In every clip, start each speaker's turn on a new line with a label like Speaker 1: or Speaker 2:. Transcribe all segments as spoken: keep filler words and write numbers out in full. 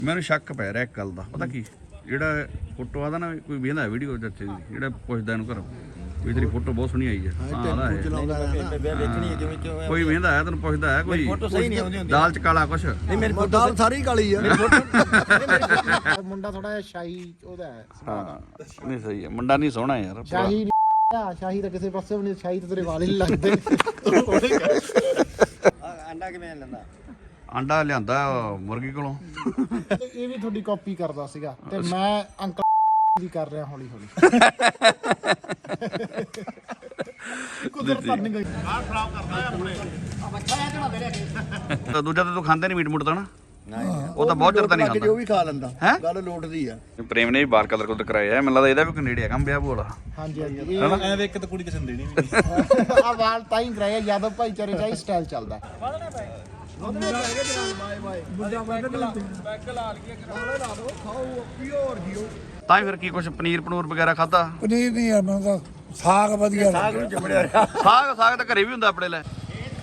Speaker 1: ਮੈਨੂੰ ਸ਼ੱਕ ਪੈ ਰਿਹਾ ਇੱਕ ਗੱਲ ਦਾ, ਪਤਾ ਕੀ, ਜਿਹੜਾ ਫੋਟੋ ਆਦਾ ਨਾ ਕੋਈ ਵੇਖਦਾ ਵੀਡੀਓ ਚਾਚੇ ਦੀ, ਜਿਹੜਾ ਪੁੱਛਦਾ ਇਹਨੂੰ ਘਰੋਂ ਵੀ ਤੇਰੀ ਫੋਟੋ ਬਹੁਤ ਸੋਹਣੀ ਆਈ ਹੈ, ਕੋਈ ਵੇਖਦਾ ਹੈ ਤੈਨੂੰ ਪੁੱਛਦਾ ਹੈ ਕੋਈ ਦਾਲ ਚ ਕਾਲਾ ਕੁਛ
Speaker 2: ਨਹੀਂ, ਮੇਰੀ ਫੋਟੋ ਦਾਲ ਸਾਰੀ ਕਾਲੀ ਆ। ਮੁੰਡਾ ਥੋੜਾ ਜਿਹਾ ਸ਼ਾਹੀ ਉਹਦਾ ਹੈ।
Speaker 1: ਹਾਂ ਨਹੀਂ ਸਹੀ ਹੈ, ਮੁੰਡਾ ਨਹੀਂ ਸੋਹਣਾ ਯਾਰ,
Speaker 2: ਸ਼ਾਹੀ ਸ਼ਾਹੀ ਤਾਂ ਕਿਸੇ ਪਾਸੇ ਵੀ ਨਹੀਂ, ਸ਼ਾਹੀ ਤਾਂ ਤੇਰੇ ਵਾਲ ਹੀ ਲੱਗਦੇ। ਅੰਡਾ ਕਿਵੇਂ ਲੈਂਦਾ?
Speaker 1: ਆਂਡਾ ਲਿਆਂਦਾ ਮੁਰਗੀ ਕੋਲੋਂ।
Speaker 2: ਇਹ ਵੀ ਤੁਹਾਡੀ ਕਾਪੀ ਕਰਦਾ ਸੀਗਾ ਤੇ ਮੈਂ ਅੰਕਲ ਵੀ ਕਰ ਰਿਹਾ ਹੌਲੀ ਹੌਲੀ। ਕੁਦਰਤ ਬਣ ਗਈ। ਆਹ ਖਰਾਬ ਕਰਦਾ ਆਪਣੇ ਬੱਚਾ ਇਹ ਝੜਾ ਦੇ ਰਿਹਾ।
Speaker 1: ਦੂਜਾ ਤਾਂ ਤੂੰ ਖਾਂਦੇ ਨਹੀਂ ਮੀਟ ਮੂਟ ਤਾਂ ਨਾ? ਉਹ ਤਾਂ ਬਹੁਤ ਚਿਰ ਤਾਂ ਨਹੀਂ ਖਾਂਦਾ,
Speaker 2: ਜੋ ਵੀ ਖਾ ਲੈਂਦਾ
Speaker 1: ਹੈ
Speaker 2: ਗੱਲ ਲੋਟਦੀ ਆ।
Speaker 1: ਪ੍ਰੇਮ ਨੇ ਵੀ ਬਾਹਰ ਕਲਰ ਕੁਦਰ ਕਰਾਇਆ, ਮੈਨੂੰ ਲੱਗਦਾ ਇਹਦਾ ਵੀ ਕੋਈ ਨੇੜੇ ਆ ਕੰਮ ਵਿਆਹ ਬੋਲਾ।
Speaker 2: ਹਾਂਜੀ ਹਾਂਜੀ ਐਵੇਂ ਇੱਕ ਤਾਂ ਕੁੜੀ ਕਿਸੇ ਨੂੰ ਦੇਣੀ ਨਹੀਂ। ਆ ਵਾਲ ਤਾਂ ਹੀ ਕਰਾਇਆ, ਯਾਦਵ ਭਾਈਚਾਰੇ ਚ ਹੀ ਸਟਾਈਲ ਚੱਲਦਾ।
Speaker 1: ਤਾਂ ਹੀ ਫਿਰ ਕੀ ਕੁਛ ਪਨੀਰ ਪਨੂਰ ਵਗੈਰਾ ਖਾਦਾ?
Speaker 3: ਪਨੀਰ ਨਹੀਂ ਆ, ਮੈਂ ਤਾਂ ਸਾਗ ਵਧੀਆ
Speaker 1: ਸਾਗ ਸਾਗ ਸਾਗ ਤਾਂ ਘਰੇ ਵੀ ਹੁੰਦਾ ਆਪਣੇ ਲੈ।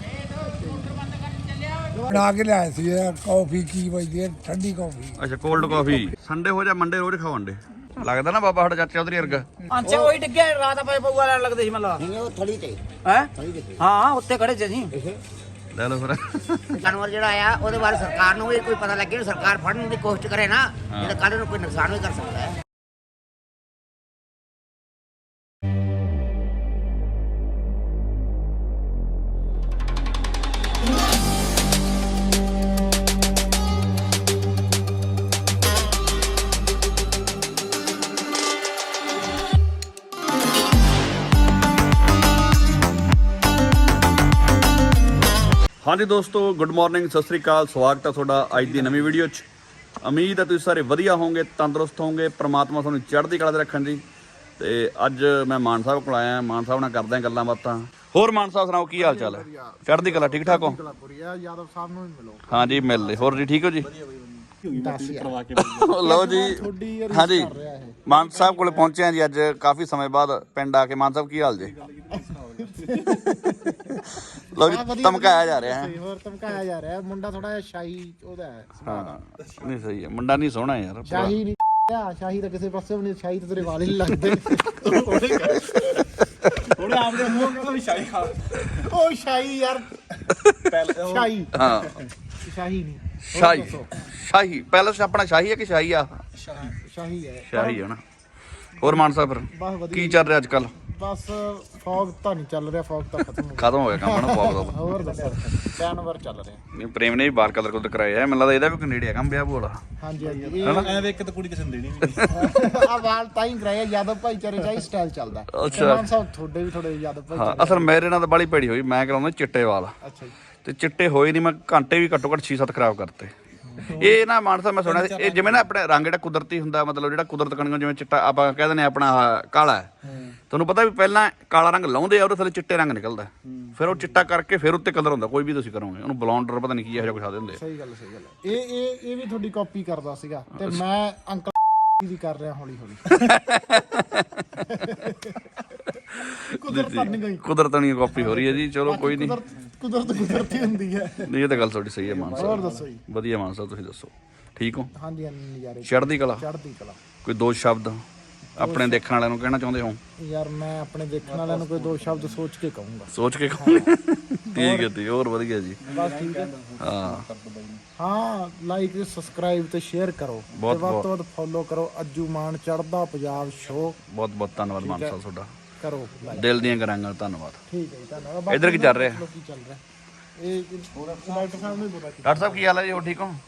Speaker 3: ਬਣਾ ਕੇ ਲਿਆਏ ਸੀ। ਕਾਫੀ ਕੀ ਵਜਦੀ ਹੈ, ਠੰਡੀ ਕਾਫੀ।
Speaker 1: ਅੱਛਾ ਕੋਲਡ ਕਾਫੀ। ਸੰਡੇ ਹੋ ਜਾ ਮੰਡੇ ਰੋਜ਼ ਖਾਓ ਅੰਡੇ। ਲੱਗਦਾ ਨਾ ਬਾਬਾ ਸਾਡਾ ਚਾਚਾ ਉਧਰ ਵਰਗਾ।
Speaker 4: ਅੱਛਾ ਉਹੀ ਡਿੱਗਿਆ ਰਾਤ ਆਪਾਂ ਪਊਆ ਲੈਣ ਲੱਗਦੇ ਸੀ ਮੱਲਾ।
Speaker 2: ਨਹੀਂ ਉਹ ਥੜੀ ਤੇ
Speaker 4: ਹੈ ਹਾਂ ਉੱਤੇ ਖੜੇ ਸੀ।
Speaker 1: ਲੈ ਲਓ ਫਿਰ।
Speaker 5: ਜਾਨਵਰ ਜਿਹੜਾ ਆ ਉਹਦੇ ਬਾਰੇ ਸਰਕਾਰ ਨੂੰ ਵੀ ਕੋਈ ਪਤਾ ਲੱਗੇ, ਸਰਕਾਰ ਫੜਨ ਦੀ ਕੋਸ਼ਿਸ਼ ਕਰੇ ਨਾ, ਜਿਹੜਾ ਕੱਲ ਨੂੰ ਕੋਈ ਨੁਕਸਾਨ ਵੀ ਕਰ ਸਕਦਾ ਹੈ।
Speaker 1: ਹਾਂਜੀ ਦੋਸਤੋ, ਗੁੱਡ ਮਾਰਨਿੰਗ, ਸਤਿ ਸ੍ਰੀ ਅਕਾਲ, ਸਵਾਗਤ ਹੈ ਤੁਹਾਡਾ ਅੱਜ ਦੀ ਨਵੀਂ ਵੀਡੀਓ 'ਚ। ਉਮੀਦ ਹੈ ਤੁਸੀਂ ਸਾਰੇ ਵਧੀਆ ਹੋਵੋਗੇ, ਤੰਦਰੁਸਤ ਹੋਵੋਗੇ, ਪ੍ਰਮਾਤਮਾ ਤੁਹਾਨੂੰ ਚੜ੍ਹਦੀ ਕਲਾ 'ਤੇ ਰੱਖਣ ਜੀ। ਤੇ ਅੱਜ ਮੈਂ ਮਾਨ ਸਾਹਿਬ ਕੋਲ ਆਇਆ, ਮਾਨ ਸਾਹਿਬ ਨਾਲ ਕਰਦੇ ਹਾਂ ਗੱਲਾਂ ਬਾਤਾਂ। ਹੋਰ ਮਾਨ ਸਾਹਿਬ ਸੁਣਾਓ, ਕੀ ਹਾਲ ਚਾਲ ਹੈ? ਚੜ੍ਹਦੀ ਕਲਾ, ਠੀਕ ਠਾਕ ਹੋ?
Speaker 2: ਯਾਦਵ ਸਾਹਿਬ ਨੂੰ ਵੀ ਮਿਲੋ।
Speaker 1: ਹਾਂਜੀ ਮਿਲ ਲਏ। ਹੋਰ ਜੀ ਠੀਕ ਹੋ ਜੀ? ਲਓ ਜੀ, ਹਾਂਜੀ ਮਾਨ ਸਾਹਿਬ ਕੋਲ ਪਹੁੰਚੇ ਹਾਂ ਜੀ ਅੱਜ ਕਾਫੀ ਸਮੇਂ ਬਾਅਦ ਪਿੰਡ ਆ ਕੇ। ਮਾਨ ਸਾਹਿਬ ਕੀ ਹਾਲ ਜੀ? ਲਓ ਜੀ, ਧਮਕਾਇਆ ਜਾ ਰਿਹਾ ਹੈ।
Speaker 2: ਹੋਰ ਧਮਕਾਇਆ ਜਾ ਰਿਹਾ। ਮੁੰਡਾ ਥੋੜਾ ਜਿਹਾ ਸ਼ਾਹੀ ਉਹਦਾ ਹੈ।
Speaker 1: ਹਾਂ ਨਹੀਂ ਸਹੀ ਹੈ, ਮੁੰਡਾ ਨਹੀਂ ਸੋਹਣਾ ਯਾਰ।
Speaker 2: ਸ਼ਾਹੀ ਨਹੀਂ ਆ, ਸ਼ਾਹੀ ਤਾਂ ਕਿਸੇ ਪਾਸੇ ਵੀ ਨਹੀਂ, ਸ਼ਾਹੀ ਤਾਂ ਤੇਰੇ ਵਾਲ ਹੀ ਲੱਗਦੇ।
Speaker 4: ਉਹਨੇ ਆਪਦੇ ਮੂੰਹ ਕਹਿੰਦਾ ਵੀ ਸ਼ਾਹੀ ਖਾ।
Speaker 2: ਉਹ ਸ਼ਾਹੀ ਯਾਰ, ਸ਼ਾਹੀ
Speaker 1: ਹਾਂ
Speaker 2: ਸ਼ਾਹੀ ਨਹੀਂ,
Speaker 1: ਸ਼ਾਹੀ ਸ਼ਾਹੀ ਪੈਲਸ ਆਪਣਾ ਸ਼ਾਹੀ ਹੈ ਕਿ ਸ਼ਾਹੀ ਆ?
Speaker 2: ਸ਼ਾਹੀ ਹੈ,
Speaker 1: ਸ਼ਾਹੀ ਹੈ ਨਾ। ਹੋਰ ਮਾਨ ਸਾਹਿਬ ਫਿਰ
Speaker 2: ਬਸ ਵਧੀਆ।
Speaker 1: ਕੀ ਚੱਲ ਰਿਹਾ ਅੱਜ ਕੱਲ?
Speaker 2: ਬਸ ਫੌਗ ਤਾਂ ਨਹੀਂ ਚੱਲ ਰਿਹਾ, ਫੌਗ ਤਾਂ ਖਤਮ ਹੋ ਗਿਆ।
Speaker 1: ਖਤਮ ਹੋ ਗਿਆ ਕੰਮ ਨਾ ਬਹੁਤ ਦਾ।
Speaker 2: ਹੋਰ ਦੱਸੋ, ਜਾਨਵਰ ਚੱਲ ਰਿਹਾ।
Speaker 1: ਨਹੀਂ ਪ੍ਰੇਮ ਨੇ ਵੀ ਬਾਹਰ ਕਲਰ ਕੁਦਰ ਕਰਾਇਆ, ਮੈਨੂੰ ਲੱਗਦਾ ਇਹਦਾ ਵੀ ਕੋਈ ਨੇੜੇ ਆ ਕੰਮ ਵਿਆਹ ਬੋਲਾ।
Speaker 2: ਹਾਂਜੀ ਹਾਂਜੀ
Speaker 4: ਐਵੇਂ ਇੱਕ ਤਾਂ ਕੁੜੀ ਕਿਸੇ ਨੂੰ ਦੇਣੀ ਨਹੀਂ।
Speaker 2: ਆ ਵਾਲ ਤਾਂ ਹੀ ਕਰਾਇਆ, ਯਾਦਵ ਭਾਈਚਾਰੇ ਚ ਹੀ ਸਟਾਈਲ ਚੱਲਦਾ।
Speaker 1: ਅੱਛਾ।
Speaker 2: ਮਾਨ ਸਾਹਿਬ ਤੁਹਾਡੇ ਵੀ ਥੋੜੇ ਯਾਦਵ
Speaker 1: ਹਾਂ
Speaker 2: ਭਾਈਚਾਰੇ।
Speaker 1: ਅਸਲ ਮੇਰੇ ਨਾਲ ਤਾਂ ਬੜੀ ਭੈੜੀ ਹੋਈ, ਮੈਂ ਕਰਾਉਂਦਾ ਚਿੱਟੇ ਵਾਲ
Speaker 2: ਅੱਛਾ ਜੀ।
Speaker 1: ਤੇ ਚਿੱਟੇ ਹੋਏ ਨਹੀਂ, ਮੈਂ ਘੰਟੇ ਵੀ ਘੱਟੋ ਘੱਟ ਛੇ ਸੱਤ ਖਰਾਬ ਕਰਤੇ। ਇਹ ਨਾ ਮਾਨ ਸਾਹਿਬ ਮੈਂ ਸੁਣਿਆ ਸੀ, ਇਹ ਜਿਵੇਂ ਨਾ ਆਪਣੇ ਰੰਗ ਜਿਹੜਾ ਕੁਦਰਤੀ ਹੁੰਦਾ, ਮਤਲਬ ਜਿਹੜਾ ਕੁਦਰਤ ਕਣੀਓ ਜਿਵੇਂ ਚਿੱਟਾ ਆਪਾਂ ਕਹਿ ਦਿੰਦੇ ਆਪਣਾ ਕਾਲਾ ਹੈ, ਤੁਹਾਨੂੰ ਪਤਾ ਵੀ ਪਹਿਲਾਂ ਕਾਲਾ ਰੰਗ ਲਾਉਂਦੇ ਆ, ਉਹਦੇ ਥੱਲੇ ਚਿੱਟੇ ਰੰਗ ਨਿਕਲਦਾ, ਫਿਰ ਉਹ ਚਿੱਟਾ ਕਰਕੇ ਫਿਰ ਉੱਤੇ ਕਲਰ ਹੁੰਦਾ। ਕੋਈ ਵੀ ਤੁਸੀਂ ਕਰੋਗੇ ਉਹਨੂੰ ਬਲੌਂਡਰ ਪਤਾ ਨਹੀਂ ਕੀ ਇਹੋ ਜਿਹਾ ਕੁਛ ਆ ਦਿੰਦੇ।
Speaker 2: ਸਹੀ ਗੱਲ ਸਹੀ ਗੱਲ। ਇਹ ਇਹ ਇਹ ਵੀ ਤੁਹਾਡੀ ਕਾਪੀ ਕਰਦਾ ਸੀਗਾ ਤੇ ਮੈਂ ਅੰਕਲ ਵੀ ਕਰ ਰਿਹਾ ਹੌਲੀ ਹੌਲੀ। ਕੁਦਰਤ ਬਣ ਗਈ।
Speaker 1: ਕੁਦਰਤ ਨਹੀਂ ਕਾਪੀ ਹੋ ਰਹੀ ਹੈ ਜੀ। ਚਲੋ ਕੋਈ ਨਹੀਂ,
Speaker 2: ਕੁਦਰਤ ਕੁਦਰਤੀ ਹੁੰਦੀ ਹੈ।
Speaker 1: ਨਹੀਂ ਇਹ ਤਾਂ ਗੱਲ ਤੁਹਾਡੀ ਸਹੀ ਹੈ ਮਾਨ
Speaker 2: ਹੋਰ
Speaker 1: ਸਾਹਿਬ।
Speaker 2: ਦੱਸੋ ਜੀ।
Speaker 1: ਵਧੀਆ ਮਾਨ ਸਾਹਿਬ, ਤੁਸੀਂ ਦੱਸੋ ਠੀਕ ਹੋ?
Speaker 2: ਹਾਂਜੀ ਹਾਂਜੀ ਨਜ਼ਾਰੇ
Speaker 1: ਚੜ੍ਹਦੀ ਕਲਾ।
Speaker 2: ਚੜ੍ਹਦੀ ਕਲਾ।
Speaker 1: ਕੋਈ ਦੋ ਸ਼ਬਦ ਆਪਣੇ ਦੇਖਣ ਵਾਲਿਆਂ ਨੂੰ ਕਹਿਣਾ ਚਾਹੁੰਦੇ ਹੋ?
Speaker 2: ਯਾਰ ਮੈਂ ਆਪਣੇ ਦੇਖਣ ਵਾਲਿਆਂ ਨੂੰ ਕੋਈ ਦੋ ਸ਼ਬਦ ਸੋਚ ਕੇ ਕਹੂੰਗਾ।
Speaker 1: ਸੋਚ ਕੇ ਕਹੋ। ਠੀਕ ਹੈ ਜੀ, ਹੋਰ ਵਧੀਆ ਜੀ।
Speaker 2: ਬਸ ਠੀਕ ਹੈ।
Speaker 1: ਹਾਂ
Speaker 2: ਹਾਂ ਲਾਈਕ ਸਬਸਕ੍ਰਾਈਬ ਤੇ ਸ਼ੇਅਰ ਕਰੋ, ਤੇ ਵੱਧ ਤੋਂ ਵੱਧ ਫੋਲੋ ਕਰੋ। ਅੱਜੂ ਮਾਨ ਚੜ੍ਹਦਾ ਪੰਜਾਬ ਸ਼ੋ।
Speaker 1: ਬਹੁਤ ਬਹੁਤ ਧੰਨਵਾਦ ਮਾਨ ਸਾਹਿਬ ਤੁਹਾਡਾ,
Speaker 2: ਕਰੋ ਲਾਈਕ।
Speaker 1: ਦਿਲ ਦੀਆਂ ਗੱਲਾਂ ਨਾਲ ਧੰਨਵਾਦ।
Speaker 2: ਠੀਕ ਹੈ ਜੀ, ਧੰਨਵਾਦ।
Speaker 1: ਇੱਧਰ ਕੀ ਚੱਲ ਰਿਹਾ?
Speaker 2: ਕੀ ਚੱਲ ਰਿਹਾ? ਇਹ ਡਾਕਟਰ ਸਾਹਿਬ ਨੂੰ ਬੋਲਾ।
Speaker 1: ਡਾਕਟਰ ਸਾਹਿਬ ਕੀ ਹਾਲ ਹੈ ਜੀ? ਹੋ ਠੀਕ ਹੋ?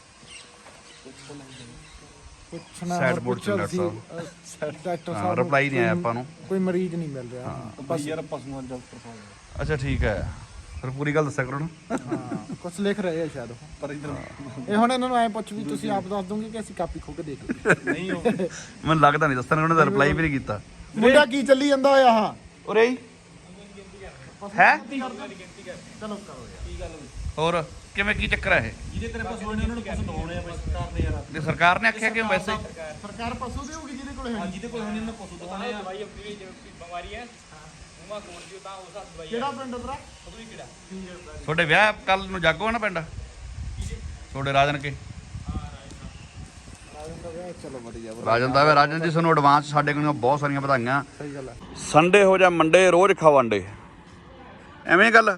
Speaker 2: ਪੁੱਛਣਾ
Speaker 1: ਸੈਡ
Speaker 2: ਹੋਰ
Speaker 1: ਬੋਰਡ ਚ
Speaker 2: ਪੁੱਛਿਆ
Speaker 1: ਡਾਕਟਰ
Speaker 2: ਸੀ। ਡਾਕਟਰ
Speaker 1: ਹਾਂ
Speaker 2: ਸਾਹਿਬ
Speaker 1: ਰਿਪਲਾਈ ਨਹੀਂ ਆਇਆ ਆਪਾਂ ਨੂੰ,
Speaker 2: ਕੋਈ ਮਰੀਜ਼ ਨਹੀਂ ਮਿਲ ਰਿਹਾ।
Speaker 4: ਬਸ ਯਾਰ ਪਸ਼ੂਆਂ ਦਾ ਡਾਕਟਰ ਸਾਹਿਬ।
Speaker 1: ਅੱਛਾ ਠੀਕ ਹੈ, ਫਿਰ ਪੂਰੀ ਗੱਲ ਦੱਸਿਆ ਕਰੋ ਨਾ।
Speaker 2: ਹਾਂ ਕੁਝ ਲਿਖ ਰਹੇ ਆ ਸ਼ਾਇਦ ਉਹ, ਪਰ ਇਧਰ ਇਹ ਹੁਣ ਇਹਨਾਂ ਨੂੰ ਐ ਪੁੱਛ ਵੀ ਤੁਸੀਂ ਆਪ ਦੱਸ ਦੋਗੇ ਕਿ ਅਸੀਂ ਕਾਪੀ ਖੋ ਕੇ ਦੇਖ ਲਈ?
Speaker 4: ਨਹੀਂ ਉਹ
Speaker 1: ਮੈਨੂੰ ਲੱਗਦਾ ਨਹੀਂ ਦੱਸਣ, ਉਹਨੇ ਤਾਂ ਰਿਪਲਾਈ ਵੀ ਨਹੀਂ ਕੀਤਾ।
Speaker 2: ਮੁੰਡਾ ਕੀ ਚੱਲੀ ਜਾਂਦਾ ਹੋਇਆ? ਹਾਂ
Speaker 1: ਉਰੇ ਹੀ ਹੈ।
Speaker 2: ਚਲੋ ਕਰੋ ਯਾਰ। ਕੀ ਗੱਲ
Speaker 1: ਹੋਰ ਕਿਵੇਂ, ਕੀ ਚੱਕਰ ਹੈ ਇਹ?
Speaker 4: ਜਿਹਦੇ ਤੇਰੇ ਪਸ਼ੂ ਨੇ ਉਹਨਾਂ ਨੂੰ ਪਸ਼ੂ ਦਵਾਉਣੇ ਆ ਸਰਕਾਰ ਨੇ ਯਾਰ।
Speaker 1: ਜੇ ਸਰਕਾਰ ਨੇ ਆਖਿਆ ਕਿ ਵੈਸੇ
Speaker 2: ਸਰਕਾਰ ਪਸ਼ੂ ਦੇਊਗੀ ਜਿਹਦੇ ਕੋਲੇ ਹੈ।
Speaker 4: ਜਿਹਦੇ ਕੋਲ ਉਹਨਾਂ ਨੂੰ ਪਸ਼ੂ ਦਵਾਉਣੇ ਆ।
Speaker 6: ਬਿਮਾਰੀ ਹੈ ਉਮਾ ਕੋਲ ਜੀ ਤਾਂ ਉਸ ਹੱਥ ਦਵਾਈ
Speaker 2: ਕਿਹੜਾ ਪਿੰਡ ਤੇਰਾ?
Speaker 6: ਉਹਦੀ ਕਿਹੜਾ
Speaker 1: ਤੁਹਾਡੇ ਵਿਆਹ ਕੱਲ ਨੂੰ ਜਾਗੋ ਨਾ ਪਿੰਡ ਤੁਹਾਡੇ ਰਾਜਨ ਕੇ? ਰਾਜਨ ਦਾ ਵੇ ਰਾਜਨ ਜੀ ਤੁਹਾਨੂੰ ਐਡਵਾਂਸ ਸਾਡੇ ਕੋਲੋਂ ਬਹੁਤ ਸਾਰੀਆਂ ਵਧਾਈਆਂ। ਸੰਡੇ ਹੋ ਜਾਂ ਮੰਡੇ ਰੋਜ਼ ਖਾਓ ਅੰਡੇ, ਐਵੇਂ ਗੱਲ।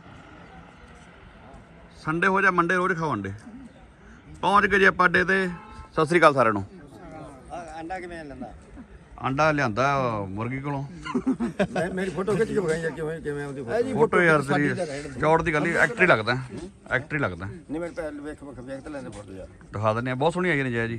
Speaker 1: ਸੰਡੇ ਹੋ ਜਾਂ ਮੰਡੇ ਰੋਜ਼ ਖਾਓ ਅੰਡੇ। ਪਹੁੰਚ ਗਏ ਜੀ ਆਪਾਂ ਅੱਡੇ ਤੇ। ਸਤਿ ਸ੍ਰੀ ਅਕਾਲ ਸਾਰਿਆਂ ਨੂੰ।
Speaker 7: ਅੰਡਾ ਕਿਵੇਂ ਲੈਂਦਾ?
Speaker 1: ਆਂਡਾ ਲਿਆਂਦਾ ਮੁਰਗੀ ਕੋਲੋਂ।
Speaker 7: ਮੇਰੀ ਫੋਟੋ ਖਿੱਚ ਕੇ ਵਿਖਾਈ ਯਾਰ ਕਿਵੇਂ ਕਿਵੇਂ ਉਹਦੀ
Speaker 1: ਫੋਟੋ ਯਾਰ ਤੇਰੀ ਚੌੜ ਦੀ ਗੱਲ ਹੀ ਐਕਟਰ ਹੀ ਲੱਗਦਾ, ਐਕਟਰ ਹੀ ਲੱਗਦਾ।
Speaker 7: ਨਹੀਂ ਮੇਰੇ ਪਹਿਲ ਵੇਖ ਵੇਖ ਵੇਖ ਤੇ ਲੈਂਦੇ ਫੋਟੋ ਯਾਰ।
Speaker 1: ਦਿਖਾ ਦਿੰਦੇ ਆ, ਬਹੁਤ ਸੋਹਣੀ ਆਈ ਨੇ ਜੈ ਜੀ।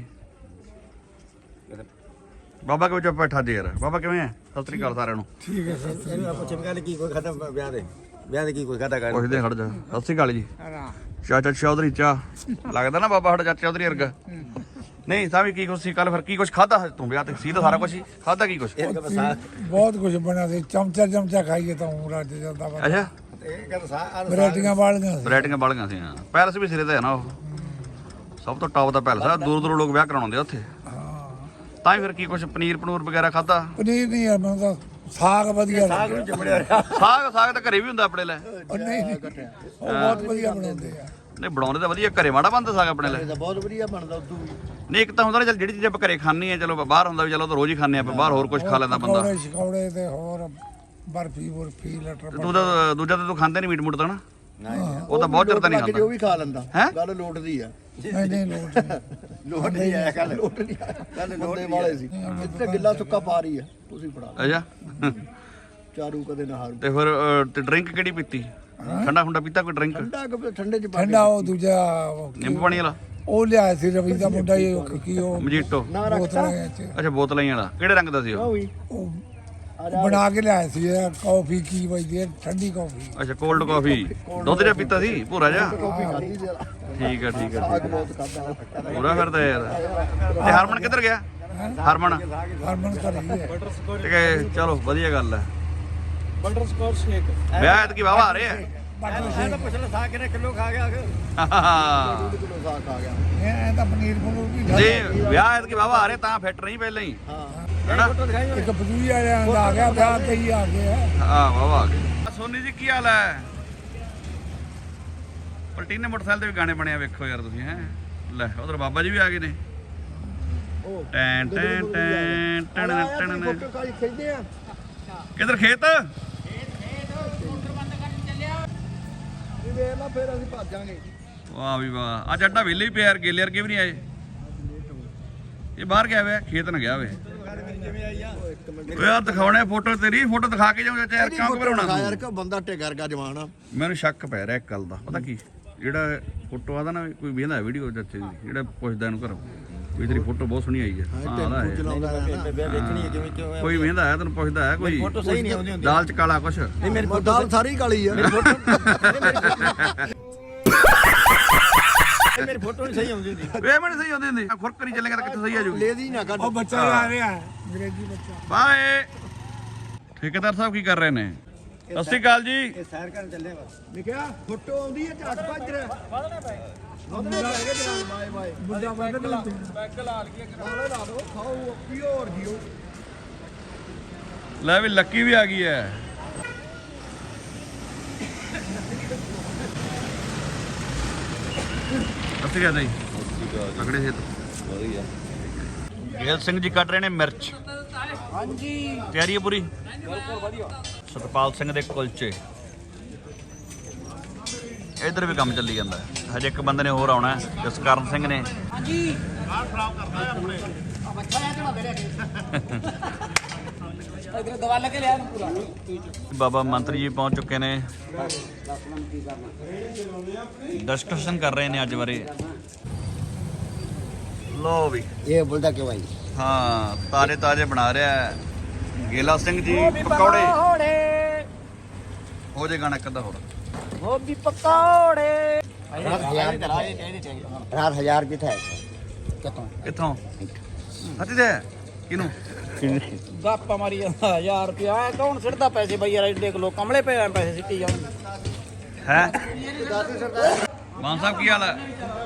Speaker 1: ਬਾਬਾ ਕਿਵੇਂ ਚੁੱਪ ਬੈਠਾ ਜੀ ਯਾਰ। ਬਾਬਾ ਕਿਵੇਂ ਹੈ? ਸਤਿ ਸ੍ਰੀ ਅਕਾਲ ਸਾਰਿਆਂ ਨੂੰ।
Speaker 3: ਠੀਕ ਹੈ ਸਰ।
Speaker 7: ਇਹਨੂੰ ਆਪਾਂ ਚਮਕਾ ਲਈ ਕੀ ਕੋਈ ਖਾਦਾ ਵਿਆਹ ਦੇ ਵਿਆਹ ਦੇ ਕੀ ਕੋਈ ਖਾਦਾ ਕਰ
Speaker 1: ਪੁੱਛਦੇ ਖੜ ਜਾ। ਸਤਿ ਸ੍ਰੀ ਅਕਾਲ ਜੀ। ਚਾਚਾ ਚੌਧਰੀ ਚਾ ਲੱਗਦਾ ਨਾ ਬਾਬਾ ਸਾਡਾ ਚਾਚਾ ਚੌਧਰੀ ਵਰਗਾ। ਨਹੀਂ ਤਾਂ ਵੀ ਕੀ ਕੁਛ ਸੀ ਕੱਲ, ਫਿਰ ਕੀ ਕੁਛ ਖਾਦਾ ਤੂੰ ਵਿਆਹ ਤੇ? ਸੀ ਤਾਂ ਸਾਰਾ ਕੁਛ ਹੀ ਖਾਦਾ। ਕੀ ਕੁਛ?
Speaker 3: ਬਹੁਤ ਕੁਝ ਬਣਿਆ ਸੀ। ਚਮਚਾ ਚਮਚਾ ਖਾਈਏ ਤਾਂ ਊਂ ਰੱਜ ਜਾਂਦਾ ਵਾ।
Speaker 1: ਅੱਛਾ
Speaker 7: ਇਹ ਕਹਿੰਦਾ ਸਾ
Speaker 3: ਵੈਰਾਈਟੀਆਂ ਵਾਲੀਆਂ ਸੀ।
Speaker 1: ਵੈਰਾਈਟੀਆਂ ਬਾਲੀਆਂ ਸੀ। ਹਾਂ ਪੈਲਸ ਵੀ ਸਿਰੇ ਤੇ ਹੈ ਨਾ, ਉਹ ਸਭ ਤੋਂ ਟੌਪ ਦਾ ਪੈਲਸ ਆ। ਦੂਰ ਦੂਰ ਲੋਕ ਵਿਆਹ ਕਰਾਉਣ ਆਉਂਦੇ ਆ ਉੱਥੇ। ਤਾਂ ਹੀ ਫਿਰ ਕੀ ਕੁਛ ਪਨੀਰ ਪਨੂਰ ਵਗੈਰਾ ਖਾਦਾ?
Speaker 3: ਪਨੀਰ ਨਹੀਂ ਯਾਰ, ਮੈਨੂੰ ਤਾਂ ਸਾਗ ਵਧੀਆ ਲੱਗਦਾ।
Speaker 1: ਸਾਗ ਸਾਗ ਤਾਂ ਘਰੇ ਵੀ ਹੁੰਦਾ ਆਪਣੇ ਲੈ।
Speaker 3: ਉਹ ਨਹੀਂ ਨਹੀਂ, ਉਹ ਬਹੁਤ ਵਧੀਆ ਬਣਾਉਂਦੇ ਆ।
Speaker 1: ਨਹੀਂ ਬਣਾਉਂਦੇ ਤਾਂ ਵਧੀਆ, ਘਰੇ ਮਾੜਾ ਬਣਦਾ ਸਾਗ ਆਪਣੇ ਲੈ।
Speaker 7: ਬਹੁਤ ਵਧੀਆ ਬਣਦਾ ਉਦੋਂ ਵੀ।
Speaker 1: ਨਹੀਂ ਇੱਕ ਤਾਂ ਹੁੰਦਾ ਨਾ ਚੱਲ ਜਿਹੜੀ ਚੀਜ਼ ਆਪਾਂ ਘਰੇ ਖਾਣੀ ਹੈ, ਚਲੋ ਬਾਹਰ ਹੁੰਦਾ ਵੀ ਚਲੋ ਤਾਂ ਰੋਜ਼ ਹੀ ਖਾਂਦੇ ਆਪਾਂ, ਬਾਹਰ ਹੋਰ ਕੁਝ ਖਾ ਲੈਂਦਾ ਬੰਦਾ।
Speaker 3: ਪਕੌੜੇ ਸ਼ਕੌੜੇ ਤੇ ਹੋਰ ਬਰਫੀ ਬੁਰਫੀ ਲਟਰ
Speaker 1: ਤੇ ਤੂੰ ਤਾਂ ਦੂਜਾ ਤਾਂ ਤੂੰ ਖਾਂਦੇ ਨਹੀਂ ਮੀਟ ਮੂਟ ਤਾਂ ਨਾ? ਉਹ ਤਾਂ ਬਹੁਤ ਚਿਰ ਤਾਂ ਨਹੀਂ
Speaker 7: ਉਹ
Speaker 1: ਖਾਂਦਾ।
Speaker 7: ਵੀ ਖਾ ਲੈਂਦਾ।
Speaker 1: ਹੈਂ?
Speaker 7: ਗੱਲ ਲੋਟਦੀ ਆ।
Speaker 3: ਨਹੀਂ ਨਹੀਂ ਲੋਟ ਨਹੀਂ।
Speaker 7: ਲੋਟ ਨਹੀਂ ਆਇਆ ਕੱਲ ਲੋਟ ਨਹੀਂ ਆਇਆ ਕੱਲ ਲੋਟਦੇ ਵਾਲੇ ਸੀ। ਇੱਥੇ ਗਿੱਲਾ ਸੁੱਕਾ ਪਾ ਰਹੀ ਆ ਤੁਸੀਂ ਫੜਾ
Speaker 1: ਅੱਛਾ
Speaker 7: ਚਾਰੂ ਕਦੇ ਨਾ ਹਾਰੂ।
Speaker 1: ਤੇ ਫਿਰ ਅਹ, ਤੇ ਡਰਿੰਕ ਕਿਹੜੀ ਪੀਤੀ? ਠੰਡਾ ਖੁੰਡਾ ਪੀਤਾ ਕੋਈ ਡਰਿੰਕ?
Speaker 7: ਠੰਡਾ ਕਿ ਠੰਡੇ ਚ ਪਾ
Speaker 3: ਠੰਡਾ ਉਹ ਦੂਜਾ ਉਹ ਕੀ-
Speaker 1: ਨਿੰਬੂ ਪਾਣੀ ਵਾਲਾ
Speaker 3: ਉਹ ਲਿਆਇਆ ਸੀ ਰਵੀ ਦਾ ਮੁੰਡਾ ਹੀ, ਉਹ ਕੀ ਉਹ
Speaker 1: ਮਜੀਟੋ?
Speaker 7: ਨਾ ਰੱਖਤਾ
Speaker 3: ਬੋਤਲਾਂ ਚ
Speaker 1: ਅੱਛਾ ਬੋਤਲਾਂ ਹੀ ਵਾਲਾ। ਕਿਹੜੇ ਰੰਗ ਦਾ ਸੀ ਉਹ?
Speaker 7: ਹੋਈ
Speaker 3: ਉਹ ਬਣਾ ਕੇ ਲਿਆਇਆ ਸੀ। ਇਹ ਕਾਫੀ ਕੀ ਵਜਦੀ ਹੈ, ਠੰਡੀ ਕਾਫੀ।
Speaker 1: ਅੱਛਾ ਕੋਲਡ ਕਾਫੀ। ਦੁੱਧ ਜਿਹਾ ਪੀਤਾ ਸੀ ਭੂਰਾ ਜਿਹਾ?
Speaker 7: ਕਾਫੀ ਖਾਦੀ ਸੀ
Speaker 1: ਠੀਕ ਆ ਠੀਕ ਆ
Speaker 7: ਸਾਗ ਬਹੁਤ ਖਾਦਾ।
Speaker 1: ਪੂਰਾ ਫਿਰਦਾ ਯਾਰ। ਤੇ ਹਰਮਨ ਕਿੱਧਰ ਗਿਆ? ਹਰਮਨ
Speaker 3: ਹਰਮਨ ਘਰੇ ਹੀ ਹੈ।
Speaker 1: ਤੇ ਕਿ ਚਲੋ ਵਧੀਆ ਗੱਲ ਹੈ।
Speaker 4: ਬਟਰ ਸਕੌਚ ਸ਼ੇਕ
Speaker 1: ਵਿਆਹ ਐਤਕੀ ਵਾਵਾ ਆ ਰਹੇ ਆ।
Speaker 7: ਮੈਂ ਤਾਂ ਪੁੱਛ ਲਾ ਸਾਗ ਕਿੰਨੇ ਕਿਲੋ ਖਾ ਗਿਆ ਕਿ ਕਿਲੋ ਸਾਗ ਖਾ ਗਿਆ।
Speaker 3: ਇਹ ਤਾਂ ਪਨੀਰ ਪਨੂਰ ਵੀ ਖਾ-
Speaker 1: ਜੇ ਵਿਆਹ ਐਤਕੀ ਵਾਵਾ ਆ ਰਹੇ ਤਾਂ ਫਿੱਟ ਨਹੀਂ ਪਹਿਲਾਂ ਹੀ
Speaker 7: ਹਾਂ
Speaker 1: ਹੈਨਾ?
Speaker 7: ਫੋਟੋ ਦਿਖਾਈ
Speaker 3: ਇੱਕ ਬਦੂਈ ਵਾਲਿਆਂ ਦਾ ਆ ਗਿਆ, ਵਿਆਹ ਤੇ ਹੀ ਆ ਗਿਆ।
Speaker 1: ਹਾਂ ਵਾਵਾ ਆ ਗਏ। ਸੋਨੀ ਜੀ ਕੀ ਹਾਲ ਹੈ? ਪਲਟੀਨੇ ਮੋਟਰਸਾਈਕਲ ਤੇ ਵੀ ਗਾਣੇ ਬਣੇ ਆ, ਵੇਖੋ ਯਾਰ ਤੁਸੀਂ। ਹੈ ਲੈ ਉਧਰ ਬਾਬਾ ਜੀ ਵੀ ਆ ਗਏ ਨੇ। Ten ten ten ten ten.
Speaker 7: Photo ਕਾਈ ਖਿੱਚਦੇ ਆ।
Speaker 1: ਕਿੱਧਰ ਖੇਤ?
Speaker 7: ਵੀ ਵੇਖ ਲਾ ਫਿਰ ਅਸੀਂ ਭੱਜਾਂਗੇ।
Speaker 1: ਵਾਹ ਵੀ ਵਾਹ। ਅੱਜ ਅੱਡਾ ਵਿਹਲੇ ਹੀ ਪਿਆ ਯਾਰ, ਗੇਲੇ ਵਰਗੇ ਵੀ ਨਹੀਂ ਆਏ। ਇਹ ਬਾਹਰ ਗਿਆ ਹੋਇਆ, ਖੇਤ ਨਾ ਗਿਆ ਹੋਵੇ। ਓਏ ਯਾਰ ਦਿਖਾਉਣੇ ਫੋਟੋ ਤੇਰੀ, ਫੋਟੋ ਦਿਖਾ ਕੇ ਜਾਉਂ ਚਾਚਾ ਯਾਰ, ਕਿਉਂ ਘਬਰਾਉਣਾ
Speaker 7: ਯਾਰ
Speaker 1: ਤੂੰ?
Speaker 7: ਕਿ ਬੰਦਾ ਟੇਗਰ ਗਾ ਜਵਾਨ ਆ।
Speaker 1: ਮੈਨੂੰ ਸ਼ੱਕ ਪੈ ਰਿਹਾ ਇੱਕ ਗੱਲ ਦਾ। ਪਤਾ ਕੀ, ਜਿਹੜਾ ਫੋਟੋ ਆਦਾ ਨਾ, ਕੋਈ ਵੇਖਦਾ ਵੀਡੀਓ ਚਾਚੇ ਦੀ, ਜਿਹੜਾ ਪੁੱਛਦਾ ਇਹਨੂੰ ਘਰੋਂ ਵੀ ਤੇਰੀ ਫੋਟੋ ਬਹੁਤ ਸੋਹਣੀ ਆਈ ਹੈ। ਹਾਂ ਆਦਾ ਹੈ
Speaker 7: ਚਲਾਉਂਦਾ ਰਹਿਣਾ ਵੇਖਣੀ ਹੈ ਕਿਵੇਂ ਕਿਵੇਂ।
Speaker 1: ਕੋਈ ਵੇਖਦਾ ਹੈ, ਤੈਨੂੰ ਪੁੱਛਦਾ ਹੈ ਕੋਈ?
Speaker 7: ਫੋਟੋ ਸਹੀ ਨਹੀਂ ਆਉਂਦੀ ਹੁੰਦੀ।
Speaker 1: ਦਾਲ ਚ ਕਾਲਾ ਕੁਛ?
Speaker 7: ਨਹੀਂ ਮੇਰੀ ਫੋਟੋ ਦਾਲ ਸਾਰੀ ਕਾਲੀ ਆ। ਮੇਰੀ ਫੋਟੋ ਮੇਰੀ ਫੋਟੋ ਨਹੀਂ ਸਹੀ ਆਉਂਦੀ ਹੁੰਦੀ।
Speaker 1: ਵੇ ਮੈਨੂੰ ਸਹੀ ਆਉਂਦੀ ਹੁੰਦੀ। ਖੁਰਕਰੀ ਚੱਲੇਗਾ ਤਾਂ ਕਿੱਥੇ ਸਹੀ ਆ ਜੂ?
Speaker 7: ਲੇਦੀ ਨਾ ਕੱਢ।
Speaker 3: ਉਹ ਬੱਚਾ ਆ ਰਿਹਾ ਹੈ, ਅੰਗਰੇਜ਼ੀ ਬੱਚਾ।
Speaker 1: ਬਾਏ। ਠੇਕੇਦਾਰ ਸਾਹਿਬ ਕੀ ਕਰ ਰਹੇ ਨੇ? ਸਤਿ ਸ਼੍ਰੀ ਅਕਾਲ ਜੀ।
Speaker 7: ਇਹ ਸੈਰ ਕਰਨ ਚੱਲੇ ਵਾ। ਲਿਖਿਆ ਫੋਟੋ ਆਉਂਦੀ ਹੈ ਝਾਟ ਭੱਜ ਰਿਹਾ। ਮੁੰਡਾ ਹੈਗਾ ਜਨਾਬ ਬਾਏ ਬਾਏ।
Speaker 3: ਮੁੰਡਾ ਬੰਦ ਲਾ
Speaker 6: ਪੈਗ ਲਾ ਲਈਏ
Speaker 7: ਨਾਲੇ ਲਾ ਦੋ ਖਾਓ ਪਿਓਰ ਜੀਓ।
Speaker 1: ਲੈ ਵੀ ਲੱਕੀ ਵੀ ਆ ਗਈ ਹੈ। ਸਤਿ ਸ਼੍ਰੀ ਅਕਾਲ ਜੀ। ਤਕੜੇ ਸੇ ਵਧੀਆ। ਗੇਲ ਸਿੰਘ ਜੀ ਕੱਢ ਰਹੇ ਨੇ ਮਿਰਚ। ਹਾਂਜੀ ਤਿਆਰੀ ਹੈ ਪੂਰੀ? ਬਿਲਕੁਲ ਵਧੀਆ। ਸਤਪਾਲ ਸਿੰਘ ਦੇ ਕੁਲਚੇ। ਇਧਰ ਵੀ ਕੰਮ ਚੱਲੀ ਜਾਂਦਾ ਹੈ। ਹਜੇ ਇੱਕ ਬੰਦੇ ਨੇ ਹੋਰ ਆਉਣਾ ਹੈ, ਜਸਕਰਨ ਸਿੰਘ ਨੇ। ਹਾਂਜੀ ਬਾਹਰ ਖਰਾਬ ਕਰਦਾ ਹੈ ਆਪਣੇ।
Speaker 6: ਇਧਰ ਦਵਾ ਲੈ ਕੇ ਲਿਆ ਪੂਰਾ।
Speaker 1: ਬਾਬਾ ਮੰਤਰੀ ਜੀ ਪਹੁੰਚ ਚੁੱਕੇ ਨੇ, ਡਿਸਕਸ਼ਨ ਕਰ ਰਹੇ ਨੇ ਅੱਜ ਬਾਰੇ। ਲੋ ਵੀ
Speaker 7: ਇਹ ਬੋਲਦਾ ਕਿਉਂ ਆਈ?
Speaker 1: ਹਾਂ ਤਾਜ਼ੇ ਤਾਜ਼ੇ ਬਣਾ ਰਿਹਾ ਹੈ ਗੇਲਾ ਸਿੰਘ ਜੀ ਪਕੌੜੇ। ਹੋ ਜੇ ਗਾਣਾ ਕਿੱਦਾਂ ਹੋਰ?
Speaker 6: ਗੋਭੀ ਪਕੌੜੇ।
Speaker 7: ਰਾਤ ਹਜ਼ਾਰ ਰਾਤ ਹਜ਼ਾਰ ਕਿੱਥੇ ਹੈ? ਕਿਤੋਂ
Speaker 1: ਕਿੱਥੋਂ? ਹੱਥੀ ਦੇ ਕਿਨੂੰ?
Speaker 6: ਗੱਪਾ ਮਾਰੀ ਜਾਂਦਾ ਹਜ਼ਾਰ ਰੁਪਿਆ। ਇਹ ਕੌਣ ਸਿੱਟਦਾ ਪੈਸੇ ਬਈ ਯਾਰ? ਦੇਖ ਲੋ ਕਮਲੇ ਪਏ ਆ, ਪੈਸੇ ਸਿੱਟੀ ਜਾਂਦੇ
Speaker 1: ਹੈ। ਮਾਨ ਸਾਹਿਬ ਕੀ ਹਾਲ ਹੈ?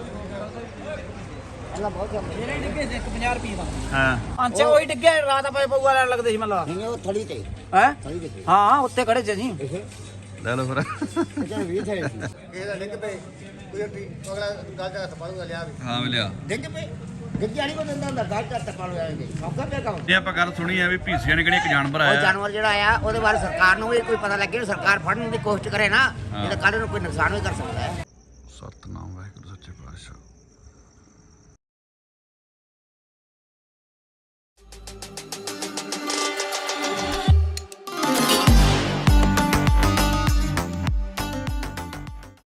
Speaker 6: ਮੇਰੇ ਡਿੱਗੇ ਸੀ ਇੱਕ ਪੰਜਾਹ ਰੁਪਏ ਦਾ।
Speaker 1: ਹਾਂ
Speaker 6: ਅੰਚੇ ਉਹੀ ਡਿੱਗੇ ਰਾਤ ਪਏ ਪਊਆ ਲੈਣ ਲੱਗਦੇ ਸੀ ਮੱਲਾ।
Speaker 7: ਨਹੀਂ ਉਹ ਥੜੀ ਤੇ
Speaker 6: ਹੈ
Speaker 7: ਥੜੀ ਤੇ
Speaker 6: ਹਾਂ ਉੱਤੇ ਖੜੇ ਸੀ ਅਸੀਂ।
Speaker 1: ਲੈ ਲਓ ਫਿਰ।
Speaker 7: ਕਿਹੜਾ ਵੀ ਥੇ ਇਹਦਾ ਡਿੱਗ ਪਏ ਕੋਈ ਟੀ ਅਗਲਾ ਗੱਲ ਦਾ ਸਪਾਲੂਗਾ ਲਿਆ ਵੀ
Speaker 1: ਹਾਂ ਮਿਲਿਆ।
Speaker 7: ਡਿੱਗ ਪਏ
Speaker 5: ਗੱਜਿਆ ਨਹੀਂ ਕੋ ਦਿੰਦਾ ਹੁੰਦਾ ਗੱਲ ਚੱਤ ਟੱਪਾ ਲੋ ਜਾਣਗੇ ਸੌਖਾ ਪਿਆ ਕੰਮ
Speaker 1: ਇਹ ਆਪਾਂ ਗੱਲ ਸੁਣੀ ਆ ਵੀ ਭੀਸੀਆਂ ਨੇ ਕਿਹੜੀ ਇੱਕ ਜਾਨਵਰ
Speaker 5: ਉਹ
Speaker 1: ਆਇਆ
Speaker 5: ਜਾਨਵਰ ਜਿਹੜਾ ਆਇਆ ਉਹਦੇ ਬਾਰੇ ਸਰਕਾਰ ਨੂੰ ਵੀ ਕੋਈ ਪਤਾ ਲੱਗੇ ਸਰਕਾਰ ਫੜਨ ਦੀ ਕੋਸ਼ਿਸ਼ ਕਰੇ ਨਾ ਨਹੀਂ ਤਾਂ ਕੱਲ ਨੂੰ ਕੋਈ ਨੁਕਸਾਨ ਵੀ ਕਰ ਸਕਦਾ ਹੈ
Speaker 1: ਸਤਨਾਮ ਵਾਹਿਗੁਰੂ ਸੱਚੇ ਪਾਤਸ਼ਾਹ।